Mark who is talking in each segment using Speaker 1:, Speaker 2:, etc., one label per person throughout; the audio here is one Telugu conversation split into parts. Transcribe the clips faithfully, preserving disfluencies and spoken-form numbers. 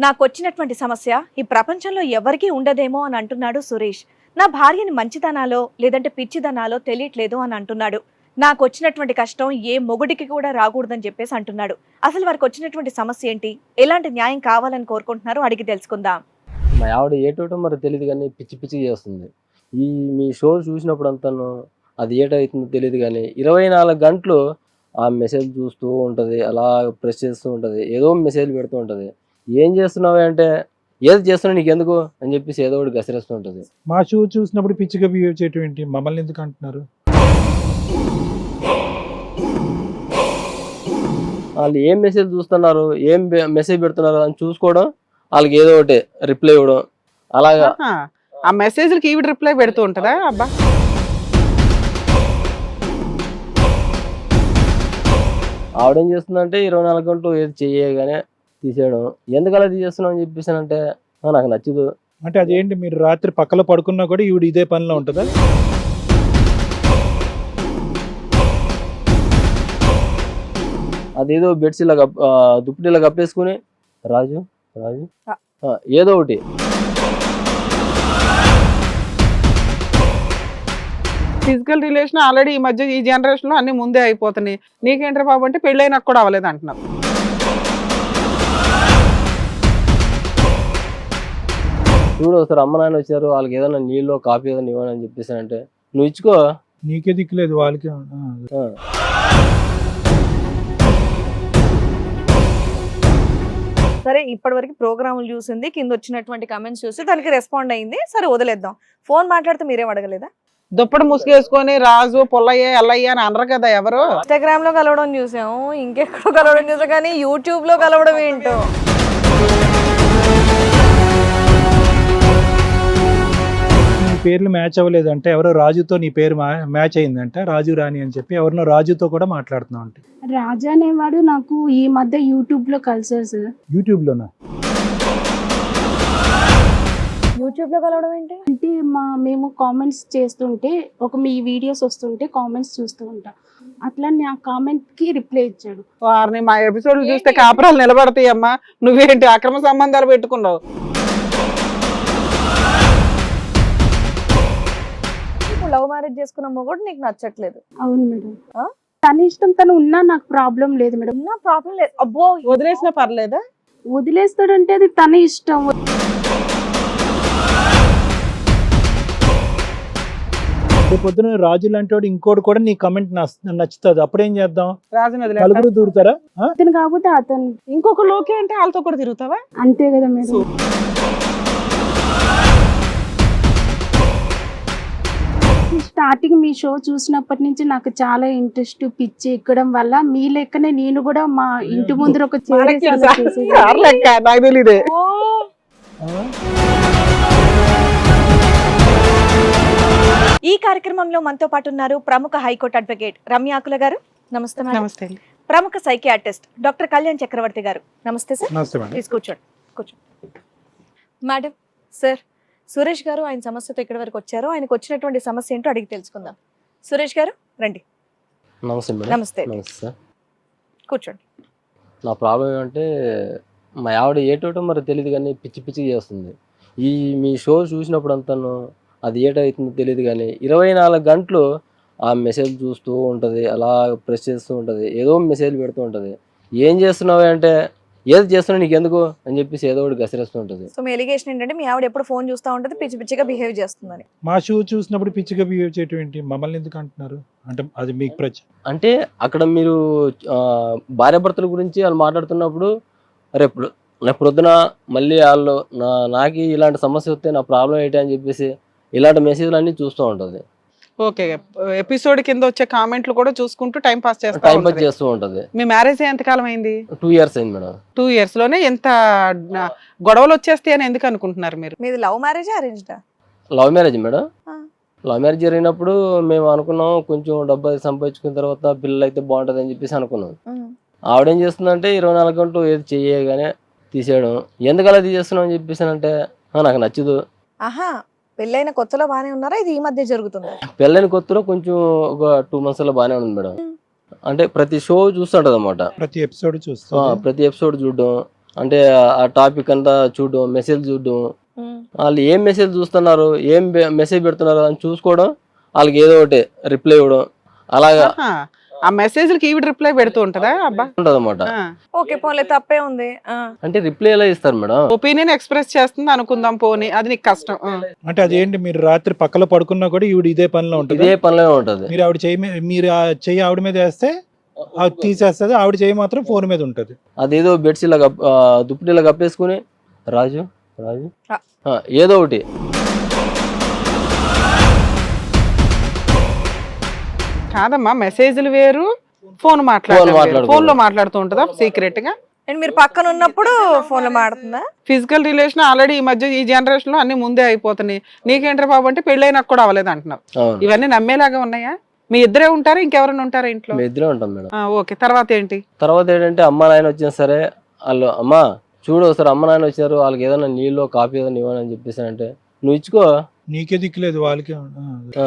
Speaker 1: నాకొచ్చినటువంటి సమస్య ఈ ప్రపంచంలో ఎవరికీ ఉండదేమో అని అంటున్నాడు సురేష్. నా భార్యని మంచిదనాలో లేదంటే పిచ్చిదనాలో తెలియట్లేదు అని అంటున్నాడు. నాకు వచ్చినటువంటి కష్టం ఏ మొగుడికి కూడా రాకూడదని చెప్పేసి అంటున్నాడు. అసలు వారికి వచ్చినటువంటి సమస్య ఏంటి, ఎలాంటి న్యాయం కావాలని కోరుకుంటున్నారో అడిగి తెలుసుకుందాం.
Speaker 2: మా ఆవిడ ఏటోటో మరి తెలియదు కానీ పిచ్చి పిచ్చి చేస్తుంది. ఈ మీ షో చూసినప్పుడు అంతాను అది ఏటవుతుందో తెలియదు కానీ ఇరవై నాలుగు గంటలు ఆ మెసేజ్ చూస్తూ ఉంటుంది, అలా ప్రెస్ చేస్తూ ఉంటుంది, ఏదో మెసేజ్ పెడుతూ ఉంటుంది. ఏం చేస్తున్నావు అంటే ఏది చేస్తున్నా నీకు ఎందుకు అని చెప్పేసి ఏదో ఒకటి గసిరేస్తూ ఉంటుంది.
Speaker 3: మా షో చూసినప్పుడు పిచ్చిగా బిహేవ్ చేయటం ఏంటి, మమ్మల్ని ఎందుకు అంటున్నారు?
Speaker 2: వాళ్ళు ఏం మెసేజ్ చూస్తున్నారు, ఏం మెసేజ్ పెడుతున్నారు అని చూసుకోవడం, వాళ్ళకి ఏదో ఒకటి రిప్లై ఇవ్వడం, అలాగా
Speaker 4: ఆ మెసేజ్లకి ఈవిడ రిప్లై పెడుతూ ఉంటుందా? అబ్బా,
Speaker 2: ఆవిడేం చేస్తుందంటే ఇరవై నాలుగు గంటలు ఏది చేయగానే తీసేయడం. ఎందుకు అలా తీసేస్తున్నావు అని చెప్పేసానంటే నాకు నచ్చదు.
Speaker 3: అంటే అదేంటి, మీరు రాత్రి పక్కలో పడుకున్నా కూడా ఈవిడ ఇదే పనిలో ఉంటుందా?
Speaker 2: అదేదో బెడ్స్ ఇలా కప్ దుప్పటి ఇలా కప్పేసుకుని రాజు రాజు ఏదో ఒకటి.
Speaker 4: ఫిజికల్ రిలేషన్ ఆల్రెడీ ఈ మధ్య ఈ జనరేషన్ లో అన్ని ముందే అయిపోతున్నాయి. నీకేంట్రా బాబు అంటే పెళ్ళైనా కూడా అవ్వలేదు అంటున్నారు.
Speaker 2: చూడు ఒకసారి అమ్మ నాన్న వచ్చారు, వాళ్ళకి ఏదైనా నీళ్ళు కాఫీ ఏదైనా ఇవ్వని అని చెప్పేసానంటే నువ్వు ఇచ్చుకో,
Speaker 3: నీకే దిక్కులేదు వాళ్ళకి.
Speaker 1: సరే, ఇప్పటి వరకు ప్రోగ్రాములు చూసింది, కింద వచ్చినటువంటి కమెంట్స్ చూసి దానికి రెస్పాండ్ అయింది. సరే వదిలేద్దాం. ఫోన్ మాట్లాడితే మీరేం అడగలేదా?
Speaker 4: దుప్పటి ముసుగేసుకొని రాజు పొల్లయ్య ఎల్లయ్య అని అనరు కదా ఎవరు.
Speaker 1: ఇన్స్టాగ్రామ్ లో కలవడం చూసాము, ఇంకెక్కడో కలవడం చూసాం, కానీ యూట్యూబ్ లో కలవడం ఏంటో.
Speaker 3: నీ పేర్లు మ్యాచ్ అవ్వలేదు అంటే ఎవరో రాజుతో నీ పేరు మ్యాచ్ అయిందంట, రాజు రాణి అని చెప్పి ఎవరినో రాజుతో కూడా మాట్లాడుతున్నావు అంటే.
Speaker 5: రాజా అనేవాడు నాకు ఈ మధ్య యూట్యూబ్ లో కలిసారు సార్.
Speaker 3: యూట్యూబ్ లోనా?
Speaker 1: యూట్యూబ్ లో కలవడం ఏంటి
Speaker 5: అంటే మా మేము కామెంట్స్ చేస్తుంటే ఒక మీ వీడియోస్ వస్తుంటే కామెంట్స్ చూస్తూ ఉంటా, అట్లా నా కామెంట్ కి రిప్లై ఇచ్చాడు.
Speaker 4: వారిని మా ఎపిసోడ్లు చూస్తే కాపురాలు నిలబడతాయి అమ్మా, నువ్వేంటి అక్రమ సంబంధాలు పెట్టుకున్నావు?
Speaker 1: లవ్ మ్యారేజ్ చేసుకున్న మొగుడు నీకు నచ్చట్లేదు?
Speaker 5: అవును మేడం, తన ఇష్టం, తను ఉన్నా నాకు ప్రాబ్లం లేదు మేడం.
Speaker 1: నా ప్రాబ్లం లేదు. అబ్బో,
Speaker 4: వదిలేసినా పర్లేదా?
Speaker 5: వదిలేస్తాడంటే అది తన ఇష్టం.
Speaker 3: పొద్దున రాజు లాంటి వాడు ఇంకోటి కూడా నీ కమెంట్ నచ్చుతుంది, అప్పుడేం చేద్దాం?
Speaker 4: రాజుని
Speaker 3: నలుగురు దూరుతారా?
Speaker 5: అతను కాకపోతే అతను
Speaker 4: ఇంకొక లోకే అంటే వాళ్ళతో కూడా తిరుగుతావా?
Speaker 5: అంతే కదా మేడం. స్టార్టింగ్ మీ షో చూసినప్పటి నుంచి నాకు చాలా ఇంట్రెస్ట్, పిచ్చి ఎక్కడం వల్ల మీ లెక్కనే నేను కూడా మా ఇంటి ముందర ఒక
Speaker 1: ఈ కార్యక్రమంలో మనతో పాటు ఉన్నారు ప్రముఖ హైకోర్టు అడ్వకేట్ రమ్య ఆకుల గారు. నమస్తే మేడం.
Speaker 4: నమస్తే.
Speaker 1: ప్రముఖ సైకియాట్రిస్ట్ డాక్టర్ కళ్యాణ్ చక్రవర్తి గారు. నమస్తే సార్.
Speaker 3: నమస్తే మేడం.
Speaker 1: ప్లీజ్ కూర్చోండి కూర్చోండి మేడం. సార్, సురేష్ గారు ఆయన సమస్యతో ఇక్కడి వరకు వచ్చారు. ఆయనకు వచ్చినటువంటి సమస్య ఏంటో అడిగి తెలుసుకుందాం. సురేష్ గారు రండి.
Speaker 2: నమస్తే మేడం.
Speaker 1: నమస్తే.
Speaker 2: నమస్తే సార్.
Speaker 1: కూర్చోండి.
Speaker 2: నా ప్రాబ్లం ఏమంటే మా ఆవిడ ఏటోటో మరి తెలియదు కానీ పిచ్చి పిచ్చి చేస్తుంది. ఈ మీ షో చూసినప్పుడు అంతాను అది ఏటవుతుందో తెలియదు కానీ ఇరవై నాలుగు గంటలు ఆ మెసేజ్ చూస్తూ ఉంటుంది, అలా ప్రెస్ చేస్తూ ఉంటుంది, ఏదో మెసేజ్ పెడుతూ ఉంటుంది. ఏం చేస్తున్నావు అంటే ఏది చేస్తున్నా నీకు ఎందుకు అని చెప్పేసి ఏదో ఒకటి గసిరేస్తూ ఉంటుంది.
Speaker 1: సో మీ ఎలిగేషన్ ఏంటంటే మీ ఆవిడ ఎప్పుడు ఫోన్ చూస్తూ ఉంటుంది, పిచ్చి పిచ్చిగా బిహేవ్ చేస్తుందని.
Speaker 3: మా షో చూసినప్పుడు పిచ్చిగా బిహేవ్ చేయటం ఏంటి, మమ్మల్ని ఎందుకు అంటున్నారు అంటే అది మీకు ప్రచ
Speaker 2: అంటే అక్కడ మీరు భార్యాభర్తల గురించి వాళ్ళు మాట్లాడుతున్నప్పుడు రేపు రేపు పొద్దున మళ్ళీ వాళ్ళు నా నాకు ఇలాంటి సమస్య వస్తే నా ప్రాబ్లం ఏంటి అని చెప్పేసి ఇలాంటి మెసేజ్లు అన్ని చూస్తూ ఉంటుంది.
Speaker 4: ఓకే, ఎపిసోడ్ కింద వచ్చే కామెంట్లు కూడా చూసుకుంటూ టైం పాస్ చేస్తా
Speaker 2: టైం పాస్ చేస్తూ ఉంటుంది.
Speaker 4: మీ మ్యారేజ్ ఎంత కాలం అయింది?
Speaker 2: టూ ఇయర్స్ అయింది మేడం.
Speaker 4: టూ ఇయర్స్ లోనే ఎంత గొడవలు వచ్చేస్తాయి అని ఎందుకు అనుకుంటున్నారు మీరు?
Speaker 1: మీది లవ్ మ్యారేజ్ అరేంజ్డా?
Speaker 2: Love marriage madam. Love marriage జరిగినప్పుడు మేము అనుకున్నాం కొంచెం డబ్బు అది సంపాదించుకున్న తర్వాత పిల్లలు అయితే బాగుంటుంది అని చెప్పేసి అనుకున్నాం. ఆవిడేం చేస్తుందంటే ఇరవై నాలుగు గంటలు ఏది చేయగానే తీసేయడం. ఎందుకు అలా తీసేస్తున్నాం అని చెప్పేసానంటే నాకు నచ్చదు.
Speaker 1: ఆహా, పెళ్ళైన కొత్తలో బానే ఉన్నారా, ఇది ఈ మధ్య జరుగుతుంది?
Speaker 2: పెళ్ళైన కొత్తలో కొంచెం ఒక టూ మంత్స్ లో బానే ఉంది మేడం. అంటే ప్రతి షో చూస్తుంటది అనమాట,
Speaker 3: ప్రతి ఎపిసోడ్ చూస్తా
Speaker 2: ప్రతి ఎపిసోడ్ చూడడం, అంటే ఆ టాపిక్ అంతా చూడడం, మెసేజ్ చూడడం, వాళ్ళు ఏం మెసేజ్ చూస్తున్నారు, ఏం మెసేజ్ పెడుతున్నారు అని చూసుకోవడం, వాళ్ళకి ఏదో ఒకటి రిప్లై ఇవ్వడం, అలాగా
Speaker 4: ఆహా. ఆ మెసేజ్లకి ఈవిడ రిప్లై పెడుతూ ఉంటదా అబ్బా?
Speaker 2: ఉంటది అనమాట.
Speaker 1: ఓకే పోలే తప్పే ఉంది. ఆ.
Speaker 2: అంటే రిప్లై ఎలా ఇస్తారు మేడం?
Speaker 4: ఒపీనియన్ ఎక్స్ప్రెస్ చేస్తుంది అనుకుందాం పోనీ, అది నీకు కష్టం. ఆ.
Speaker 3: అంటే అదేంటి, మీరు రాత్రి పక్కలో పడుకున్నా కూడా ఈవిడ ఇదే పనిలో ఉంటుంది.
Speaker 2: ఇదే పనిలో ఉంటది.
Speaker 3: మీరు ఆవిడ చెయ్యి మీ- మీరు ఆ చెయ్యి ఆవిడ మీద వేస్తే ఆవిడ తీసేస్తుంది, ఆవిడ చెయ్యి మాత్రం ఫోన్ మీద ఉంటుంది.
Speaker 2: అదేదో బెడ్స్ ఇలా కప్- ఆ, దుప్పటి ఇలా కప్పేసుకుని రాజు రాజు
Speaker 1: ఆ.
Speaker 2: ఆ, ఏదో ఒకటి
Speaker 4: కాదమ్మా, మెసేజ్లు వేరు, ఫోన్ మాట్లాడారు,
Speaker 2: మాట్లాడుకోవడం.
Speaker 4: ఫోన్ లో మాట్లాడుతూ ఉంటదా సీక్రెట్ గా?
Speaker 1: అండ్ మీరు పక్కన ఉన్నప్పుడు ఫోన్ లో మాడుతుందా?
Speaker 4: ఫిజికల్ రిలేషన్ ఆల్రెడీ ఈ మధ్య ఈ జనరేషన్ లో అన్ని ముందే అయిపోతున్నాయి. నీకేంట్రా బాబు అంటే పెళ్ళైనా కూడా అవ్వలేదు అంటున్నావు.
Speaker 2: అవును.
Speaker 4: ఇవన్నీ నమ్మేలాగా ఉన్నాయా? మీ ఇద్దరే ఉంటారా, ఇంకెవరైనా ఉంటారా ఇంట్లో?
Speaker 2: మేము ఇద్దరే ఉంటాం మేడం.
Speaker 4: ఆ, ఓకే. తర్వాత ఏంటి?
Speaker 2: తర్వాత ఏంటంటే అమ్మ నాయన వచ్చినా సరే వాళ్ళు అమ్మ చూడు ఒకసారి అమ్మ నాయన వచ్చారు, వాళ్ళకి ఏదైనా నీళ్ళు కాఫీ ఏదైనా ఇవ్వని అని చెప్పేసి అంటే నువ్వు ఇచ్చుకో.
Speaker 3: నీకే దిక్కులేదు వాళ్ళకి.
Speaker 2: ఆ.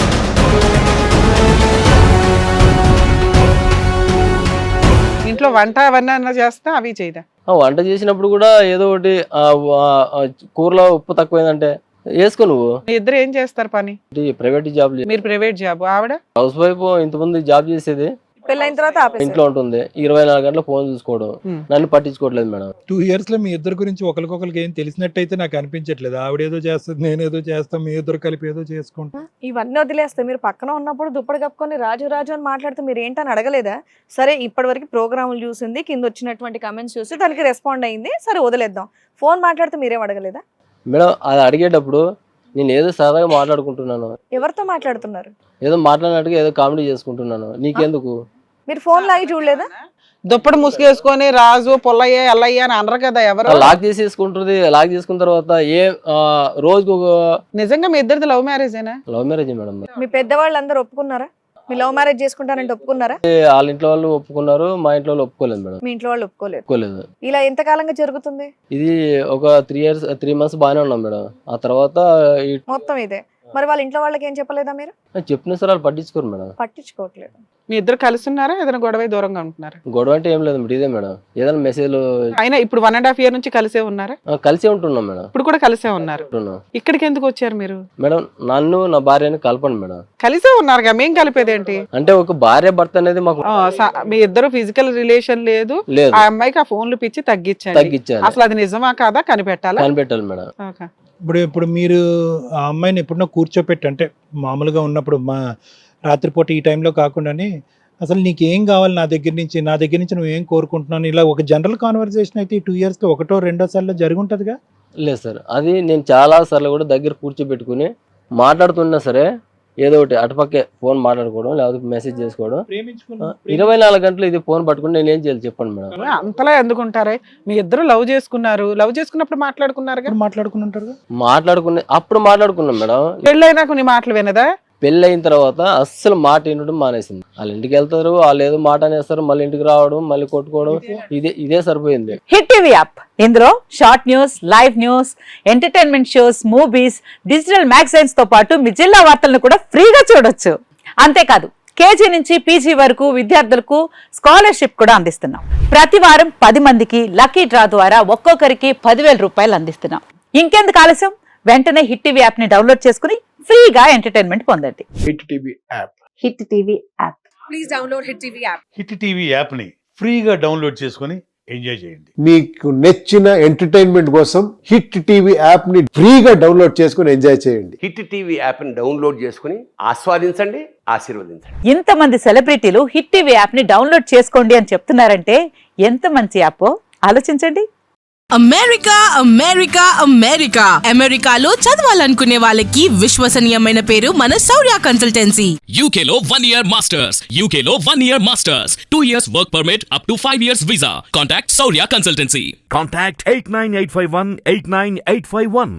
Speaker 4: ఇంట్లో వంట అవన్నీ అన్నా చేస్తా, అవి చేయదా?
Speaker 2: ఆ, వంట చేసినప్పుడు కూడా ఏదో ఒకటి ఆ, ఆ, కూరలో ఉప్పు తక్కువైందంటే వేసుకో. నువ్వు
Speaker 4: మీ ఇద్దరు ఏం చేస్తారు పని?
Speaker 2: ప్రైవేట్ జాబ్,
Speaker 4: మీరు ప్రైవేట్ జాబ్, ఆవిడ
Speaker 2: హౌస్ వైఫ్. ఇంతకుముందు జాబ్ చేసేది,
Speaker 1: పెళ్ళైన తర్వాత ఆపేసారు.
Speaker 2: ఇంట్లో ఉంటుంది, ఇరవై నాలుగు గంటల ఫోన్ చూసుకోవడం,
Speaker 4: Hmm.
Speaker 2: నన్ను పట్టించుకోవట్లేదు మేడం.
Speaker 3: టూ ఇయర్స్ లో మీ ఇద్దరు గురించి ఒకరికొకరికి ఏం తెలిసినట్టయితే నాకు అనిపించట్లేదు. ఆవిడేదో చేస్తుంది, నేనేదో చేస్తాం, మీ ఇద్దరు కలిపి ఏదో చేసుకుంటాం.
Speaker 1: ఇవన్నీ వదిలేస్తే మీరు పక్కన ఉన్నప్పుడు దుప్పటి కప్పుకొని రాజు రాజు అని మాట్లాడితే మీరు ఏంటని అడగలేదా? సరే ఇప్పటి వరకు ప్రోగ్రాములు చూసింది, కింద వచ్చినటువంటి కమెంట్స్ చూసి దానికి రెస్పాండ్ అయింది, సరే వదిలేద్దాం. ఫోన్ మాట్లాడితే మీరేం అడగలేదా?
Speaker 2: మేడం అది అడిగేటప్పుడు నేను ఏదో సరదాగా మాట్లాడుకుంటున్నాను,
Speaker 1: ఎవరితో మాట్లాడుతున్నారు?
Speaker 2: ఏదో మాట్లాడినట్టుగా ఏదో కామెడీ చేసుకుంటున్నాను, నీకెందుకు?
Speaker 1: మీరు ఫోన్ లాగి చూడలేదా?
Speaker 4: దుప్పటి ముసుగేసుకొని రాజు పొల్లయ్య ఎల్లయ్య అని అనరు కదా ఎవరు.
Speaker 2: లాక్ చేసేసుకుంటుంది. లాక్ చేసుకున్న తర్వాత ఏ ఆ, రోజుకు ఒక
Speaker 4: నిజంగా మీ ఇద్దరిది లవ్ మ్యారేజేనా?
Speaker 2: Love marriage madam.
Speaker 1: మీ పెద్దవాళ్ళు అందరూ ఒప్పుకున్నారా? మీ లవ్ మ్యారేజ్ చేసుకుంటానంటే ఒప్పుకున్నారా?
Speaker 2: వాళ్ళ ఇంట్లో వాళ్ళు ఒప్పుకున్నారు, మా ఇంట్లో వాళ్ళు ఒప్పుకోలేదు మేడం.
Speaker 1: మీ ఇంట్లో వాళ్ళు ఒప్పుకోలేదు.
Speaker 2: ఒప్పుకోలేదు.
Speaker 1: ఇలా ఎంత కాలంగా జరుగుతుంది?
Speaker 2: ఇది ఒక త్రీ ఇయర్స్ త్రీ మంత్స్ బాగానే ఉన్నాం మేడం. ఆ తర్వాత ఈ-
Speaker 1: మొత్తం ఇదే. మరి వాళ్ళ ఇంట్లో వాళ్ళకి ఏం చెప్పలేదా మీరు?
Speaker 2: చెప్పిన సార్ వాళ్ళు పట్టించుకోరు మేడం.
Speaker 1: పట్టించుకోవట్లేదు.
Speaker 4: మీ ఇద్దరు కలిసి ఉన్నారా, ఏదైనా గొడవ దూరంగా ఉంటున్నారా?
Speaker 2: గొడవ అంటే ఏం లేదు మేడం, ఇదే మేడం ఏదైనా మెసేజ్లు
Speaker 4: అయినా ఇప్పుడు వన్ అండ్ హాఫ్ ఇయర్ నుంచి కలిసే ఉన్నారా?
Speaker 2: కలిసే ఉంటున్నాం మేడం.
Speaker 4: ఇప్పుడు కూడా కలిసే ఉన్నారు.
Speaker 2: ఉంటున్నాం
Speaker 4: ఇక్కడికి ఎందుకు వచ్చారు మీరు?
Speaker 2: మేడం. నన్ను నా భార్యని కలపండి మేడం.
Speaker 4: కలిసే ఉన్నారుగా, మేం కలిపేదేంటి?
Speaker 2: అంటే ఒక భార్య భర్త అనేది మాకు
Speaker 4: ఆ, స- మీ ఇద్దరు ఫిజికల్ రిలేషన్ లేదు,
Speaker 2: లేదు,
Speaker 4: ఆ అమ్మాయికి ఆ ఫోన్లు పిచ్చి తగ్గించండి.
Speaker 2: తగ్గించాలి,
Speaker 4: అసలు అది నిజమా కాదా కనిపెట్టాలా?
Speaker 2: కనిపెట్టాలి మేడం.
Speaker 4: ఓకే.
Speaker 3: ఇప్పుడు ఇప్పుడు మీరు ఆ అమ్మాయిని ఎప్పుడన్నా కూర్చోపెట్టి, అంటే మామూలుగా ఉన్నప్పుడు మా రాత్రిపూట ఈ టైంలో కాకుండానే అసలు నీకు ఏం కావాలి నా దగ్గర నుంచి, నా దగ్గర నుంచి నువ్వు ఏం కోరుకుంటున్నాను, ఇలా ఒక జనరల్ కాన్వర్సేషన్ అయితే ఈ టూ ఇయర్స్లో ఒకటో రెండో సార్లు జరిగి ఉంటుందిగా?
Speaker 2: లేదు సార్, అది నేను చాలా సార్లు కూడా దగ్గర కూర్చోబెట్టుకుని మాట్లాడుతున్నా సరే ఏదో ఒకటి అటుపక్కే ఫోన్ మాట్లాడుకోవడం, లేకపోతే మెసేజ్ చేసుకోవడం. ఇరవై నాలుగు గంటలు ఇది ఫోన్ పట్టుకుని నేను ఏం చేయాలి చెప్పండి మేడం.
Speaker 4: అంతలా ఎందుకుంటారే? మీ ఇద్దరు లవ్ చేసుకున్నారు, లవ్ చేసుకున్నప్పుడు మాట్లాడుకున్నారు,
Speaker 3: మాట్లాడుకుని ఉంటారు,
Speaker 2: మాట్లాడుకునే అప్పుడు మాట్లాడుకున్నాం మేడం.
Speaker 4: పెళ్ళైనాక నీ మాటలు వినదా?
Speaker 2: పెళ్ళి అయిన తర్వాత అస్సలు మాట వినడం మానేసింది. వాళ్ళ ఇంటికి వెళ్తారు, వాళ్ళు ఏదో మాట అనేస్తారు, మళ్ళీ ఇంటికి రావడం, మళ్ళీ కొట్టుకోవడం, ఇదే ఇదే సరిపోయింది.
Speaker 6: హిట్ టీవీ యాప్, ఇందులో short news, live news, entertainment shows, movies, digital magazines తో పాటు మీ జిల్లా వార్తలను కూడా ఫ్రీగా చూడొచ్చు. అంతేకాదు కేజీ నుంచి పీజీ వరకు విద్యార్థులకు స్కాలర్షిప్ కూడా అందిస్తున్నాం. ప్రతి వారం పది మందికి లక్కీ డ్రా ద్వారా ఒక్కొక్కరికి పదివేల రూపాయలు అందిస్తున్నాం. ఇంకెందుకు ఆలస్యం, వెంటనే హిట్ టీవీ యాప్ ని డౌన్లోడ్ చేసుకుని ఫ్రీగా ఎంటర్టైన్మెంట్ పొందండి.
Speaker 7: Hit TV app.
Speaker 6: Hit TV app.
Speaker 1: Please download Hit TV app.
Speaker 7: Hit TV యాప్ని ఫ్రీగా డౌన్లోడ్ చేసుకొని ఎంజాయ్ చేయండి.
Speaker 8: మీకు నచ్చిన ఎంటర్టైన్మెంట్ కోసం హిట్ టీవీ యాప్ ని ఫ్రీగా డౌన్లోడ్ చేసుకొని ఎంజాయ్ చేయండి.
Speaker 9: హిట్ టీవీ యాప్ని డౌన్లోడ్ చేసుకుని ఆస్వాదించండి, ఆశీర్వదించండి.
Speaker 6: ఇంతమంది సెలబ్రిటీలు హిట్ టీవీ యాప్ ని డౌన్లోడ్ చేసుకోండి అని చెప్తున్నారంటే ఎంత మంచి యాప్ ఆలోచించండి.
Speaker 10: అమెరికా అమెరికా అమెరికా అమెరికాలో చదవాలనుకునే వాళ్ళకి విశ్వసనీయమైన పేరు మన శౌర్య కన్సల్టెన్సీ.
Speaker 11: యూకేలో వన్ ఇయర్ మాస్టర్స్, యూకేలో one year masters, two years work permit, up to five years visa. Contact Shaurya consultancy.
Speaker 12: Contact eight nine eight five one eight nine eight five one.